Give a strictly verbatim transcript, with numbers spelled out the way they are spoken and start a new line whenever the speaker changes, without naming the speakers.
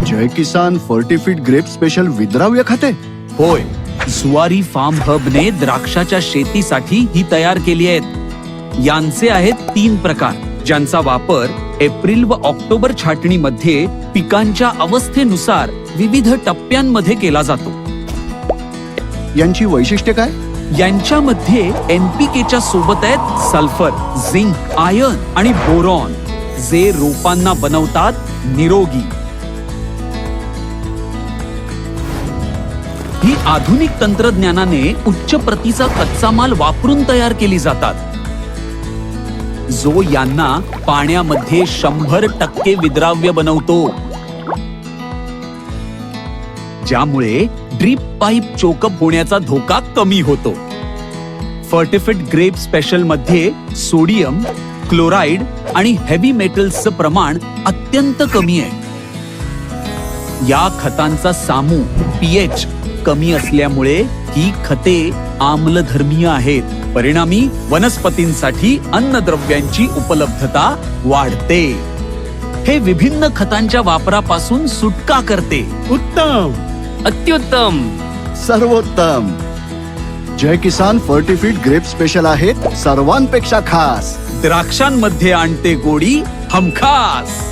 जय किसान फर्टिफिट Grape special विद्राव्य खते.
होय, जुवारी फार्म हब ने द्राक्षाच्या शेतीसाठी ही तयार केली आहेत. यांचे आहेत तीन प्रकार, ज्यांचा वापर एप्रिल व ऑक्टोबर छाटणीमध्ये पिकांच्या अवस्थेनुसार विविध टप्प्यांमध्ये केला जातो.
यांची वैशिष्ट्ये काय?
यांच्यामध्ये एनपीकेच्या सोबत आहेत सल्फर, झिंक, आयर्न आणि बोरॉन, जे रोपांना बनवतात निरोगी. ही आधुनिक तंत्रज्ञानाने उच्च प्रतीचा कच्चा माल वापरून तयार केली जातात, जो यांना पाण्यामध्ये शंभर टक्के विद्राव्य बनवतो, ज्यामुळे ड्रीप पाईप चोकअप होण्याचा धोका कमी होतो. फर्टिफिट ग्रेप स्पेशल मध्ये सोडियम, क्लोराइड आणि हेवी मेटल्सचं प्रमाण अत्यंत कमी आहे. या खतांचा सामू पीएच कमी असल्यामुळे ही खते आम्लधर्मीय आहेत. परिणामी वनस्पतींसाठी अन्नद्रव्यांची उपलब्धता वाढते. हे विभिन्न खतांच्या वापरापासून सुटका करते.
उत्तम,
अत्युत्तम,
सर्वोत्तम. जय किसान फर्टिफिट ग्रेप स्पेशल आहेत सर्वांपेक्षा खास.
द्राक्षांमध्ये आणते गोडी हमखास.